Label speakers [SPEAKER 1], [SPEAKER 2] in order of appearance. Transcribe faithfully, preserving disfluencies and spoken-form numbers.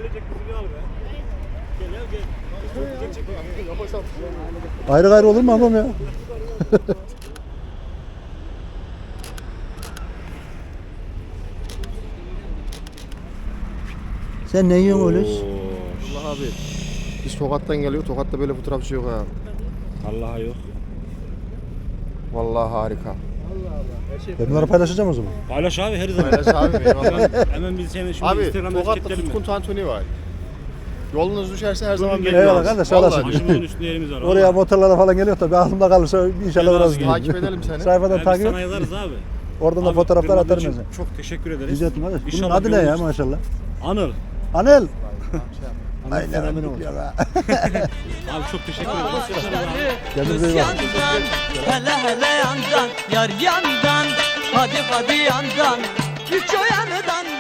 [SPEAKER 1] ailecek bizi al be. Gel gel gel.
[SPEAKER 2] Ayrı gayrı olur mu ablam ya? Sen ne yiyorsun öyle?
[SPEAKER 3] Allah abi. Biz Tokat'tan geliyor. Tokat'ta böyle fotoğrafçı yok ha.
[SPEAKER 1] Allah'a yok.
[SPEAKER 3] Vallahi harika.
[SPEAKER 2] Ben bunları paylaşacağım o zaman.
[SPEAKER 1] Paylaş abi her zaman.
[SPEAKER 3] Paylaş abi eyvallah.
[SPEAKER 1] Hemen biz seni şimdi
[SPEAKER 3] Abi
[SPEAKER 1] Instagram'da
[SPEAKER 3] Tokat'ta
[SPEAKER 1] etiketleyelim mi?
[SPEAKER 3] Tutkun Tantuni var. Yolunuz düşerse her zaman
[SPEAKER 1] Bugün
[SPEAKER 3] bekliyoruz.
[SPEAKER 2] Eyvallah kardeş, sağ olasın.
[SPEAKER 3] Vallahi.
[SPEAKER 1] Başımızın üstünde yerimiz var.
[SPEAKER 2] Oraya
[SPEAKER 1] vallahi.
[SPEAKER 2] motorlara falan geliyor da bir aklımda kalırsa inşallah
[SPEAKER 1] Gel
[SPEAKER 2] biraz
[SPEAKER 1] abi,
[SPEAKER 2] gideyim.
[SPEAKER 3] Takip edelim seni.
[SPEAKER 2] Sayfadan
[SPEAKER 1] Ya biz
[SPEAKER 2] takip
[SPEAKER 1] sana
[SPEAKER 2] et.
[SPEAKER 1] yazarız abi.
[SPEAKER 2] Oradan da
[SPEAKER 1] Abi,
[SPEAKER 2] fotoğraflar
[SPEAKER 1] kırmadığın
[SPEAKER 2] atarım
[SPEAKER 1] için
[SPEAKER 2] ben sana.
[SPEAKER 1] Çok teşekkür ederiz.
[SPEAKER 2] Rica ederim kardeş. Bunun
[SPEAKER 1] İnşallah
[SPEAKER 2] adı ne ya
[SPEAKER 1] görürüz.
[SPEAKER 2] maşallah?
[SPEAKER 1] Anıl.
[SPEAKER 2] Anel.
[SPEAKER 1] Anıl fenomeni oldu.
[SPEAKER 2] ya.
[SPEAKER 1] Abi çok teşekkür ederiz.
[SPEAKER 2] Kendinize iyi bakın.
[SPEAKER 4] yandan, hele hele yandan, yar yandan, hadi hadi yandan, üç o yandan.